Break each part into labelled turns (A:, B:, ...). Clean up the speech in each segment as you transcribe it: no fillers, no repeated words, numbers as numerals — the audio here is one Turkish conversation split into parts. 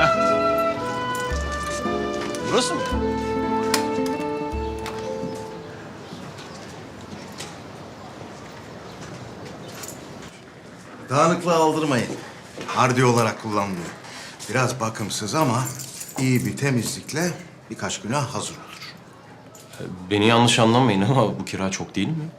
A: Burası mı?
B: Dağınıklığı aldırmayın. Hardi olarak kullanılıyor. Biraz bakımsız ama iyi bir temizlikle birkaç güne hazır olur.
A: Beni yanlış anlamayın ama bu kira çok değil mi?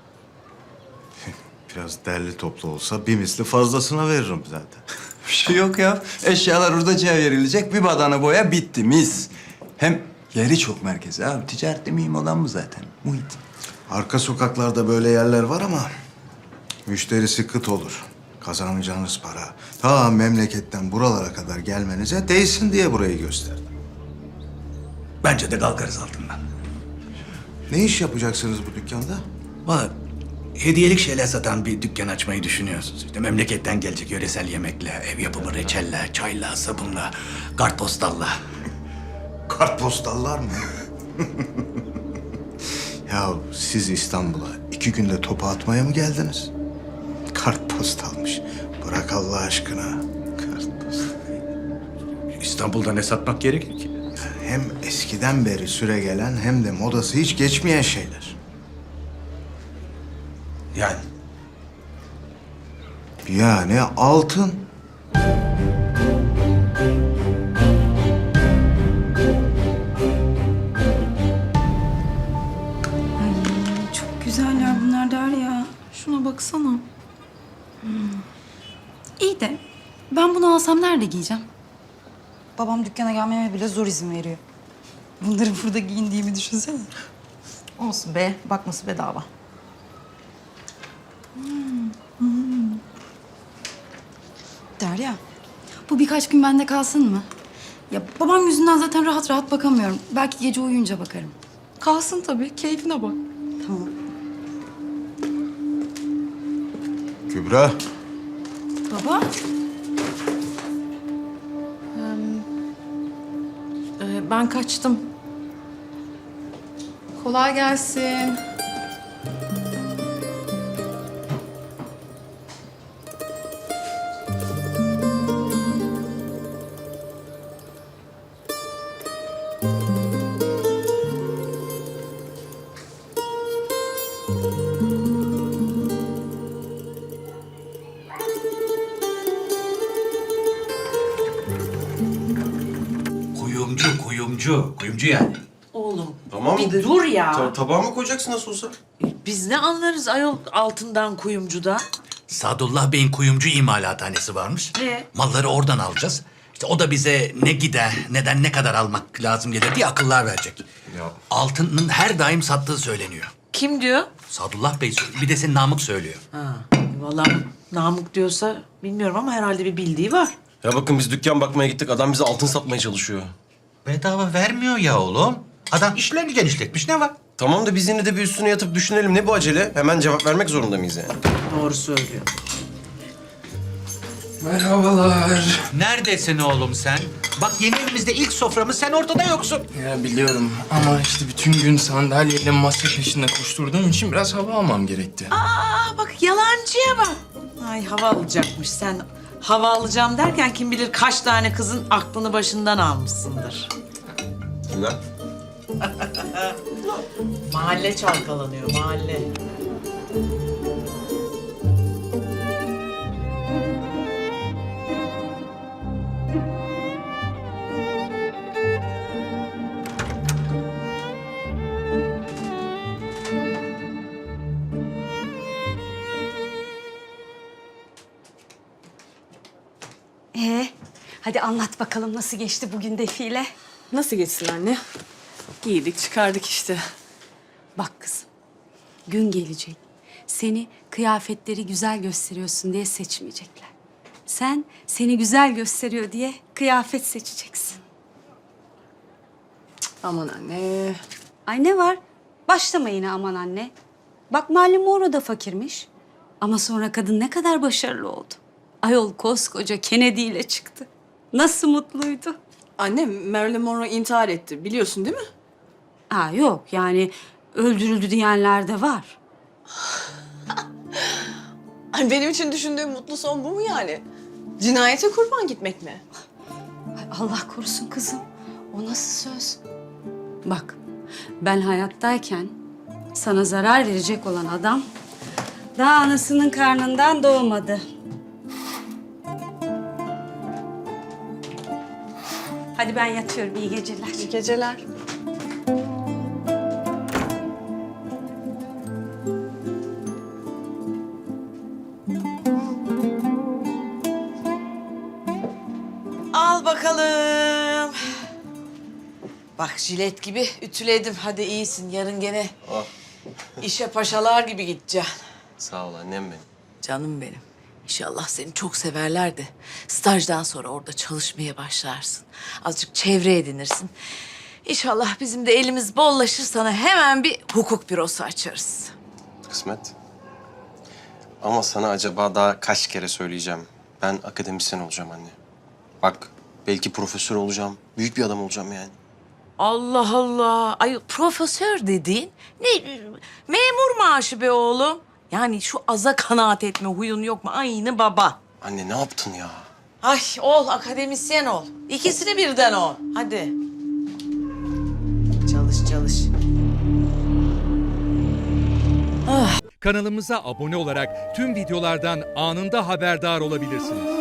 B: Biraz derli toplu olsa bir misli fazlasına veririm zaten.
C: Bir şey yok ya. Eşyalar hurdacıya verilecek. Bir badana boya bitti mis. Hem yeri çok merkezi abi. Ticaretli miyim olan bu zaten. Muhit.
B: Arka sokaklarda böyle yerler var ama müşterisi kıt olur. Kazanacağınız para ta memleketten buralara kadar gelmenize değsin diye burayı gösterdim.
D: Bence de kalkarız altından.
B: Ne iş yapacaksınız bu dükkanda?
D: Valla hediyelik şeyler satan bir dükkan açmayı düşünüyorsunuz. İşte memleketten gelecek yöresel yemekle, ev yapımı reçelle, çayla, sabunla, kartpostalla.
B: Kartpostallar mı? Ya siz İstanbul'a 2 günde topu atmaya mı geldiniz? Kartpostalmış. Bırak Allah aşkına. Kartpostal.
D: İstanbul'da ne satmak gerekir ki?
B: Hem eskiden beri süregelen hem de modası hiç geçmeyen şeyler.
D: Yani
B: Yani altın.
E: Çok güzeller bunlar Derya.
F: Şuna baksana.
E: İyi de ben bunu alsam nerede giyeceğim? Babam dükkana gelmeme bile zor izin veriyor. Bunları burada giyindiğimi düşünsene.
F: Olsun be, bakması bedava.
E: Derya, bu birkaç gün bende kalsın mı? Ya babam yüzünden zaten rahat rahat bakamıyorum. Belki gece uyuyunca bakarım.
F: Kalsın tabii, keyfine bak.
E: Tamam.
B: Kübra.
E: Baba,
F: Ben kaçtım. Kolay gelsin.
D: Kuyumcu yani.
G: Oğlum
A: Tamam
G: bir
A: de.
G: dur ya.
A: Tabağa mı koyacaksın nasıl olsa?
G: Biz ne anlarız ayol altından kuyumcuda?
D: Sadullah Bey'in kuyumcu imalathanesi varmış. Malları oradan alacağız. İşte o da bize ne gider, neden ne kadar almak lazım gelir diye akıllar verecek.
A: Ya.
D: Altının her daim sattığı söyleniyor.
G: Kim diyor?
D: Sadullah Bey söylüyor. Bir de senin Namık söylüyor.
G: Ha, vallahi Namık diyorsa bilmiyorum ama herhalde bir bildiği var.
A: Ya bakın biz dükkan bakmaya gittik. Adam bize altın satmaya çalışıyor.
H: Bedava vermiyor ya oğlum. Adam işlerini genişletmiş, ne var?
A: Tamam da biz yine de bir üstüne yatıp düşünelim. Ne bu acele? Hemen cevap vermek zorunda mıyız yani?
G: Doğru söylüyor.
H: Merhabalar. Neredesin oğlum sen? Bak yeni evimizde ilk soframız, sen ortada yoksun.
I: Ya biliyorum ama işte bütün gün sandalyeyle masa peşinde koşturduğum için biraz hava almam gerekti.
G: Aa bak yalancıya bak. Ay hava alacakmış sen. Hava alacağım derken kim bilir kaç tane kızın aklını başından almışsındır.
A: Kimler?
G: Mahalle çalkalanıyor mahalle.
E: hadi anlat bakalım nasıl geçti bugün defile?
F: Nasıl geçsin anne? Giydik, çıkardık işte.
E: Bak kızım, gün gelecek. Seni kıyafetleri güzel gösteriyorsun diye seçmeyecekler. Sen seni güzel gösteriyor diye kıyafet seçeceksin.
F: Aman anne.
E: Ay ne var? Başlama yine aman anne. Bak Marilyn Monroe da fakirmiş. Ama sonra kadın ne kadar başarılı oldu. Ayol koskoca Kennedy ile çıktı. Nasıl mutluydu.
F: Anne, Marilyn Monroe intihar etti. Biliyorsun değil mi?
E: Ha yok yani öldürüldü diyenler de var.
F: Ay, benim için düşündüğüm mutlu son bu mu yani? Cinayete kurban gitmek mi?
E: Allah korusun kızım. O nasıl söz? Bak, ben hayattayken sana zarar verecek olan adam daha anasının karnından doğmadı. Hadi ben yatıyorum. İyi geceler.
F: İyi geceler.
G: Al bakalım. Bak jilet gibi ütüledim. Hadi iyisin. Yarın gene işe paşalar gibi gideceksin.
A: Sağ ol annem benim.
G: Canım benim. İnşallah seni çok severler de stajdan sonra orada çalışmaya başlarsın. Azıcık çevre edinirsin. İnşallah bizim de elimiz bollaşır, sana hemen bir hukuk bürosu açarız.
A: Kısmet. Ama sana acaba daha kaç kere söyleyeceğim. Ben akademisyen olacağım anne. Bak belki profesör olacağım. Büyük bir adam olacağım yani.
G: Allah Allah. Ay profesör dediğin ne? Memur maaşı be oğlum. Yani şu aza kanaat etme huyun yok mu? Aynı baba.
A: Anne ne yaptın ya?
G: Ay ol, akademisyen ol. İkisini birden ol. Hadi. Çalış, çalış.
J: Kanalımıza abone olarak tüm videolardan anında haberdar olabilirsiniz.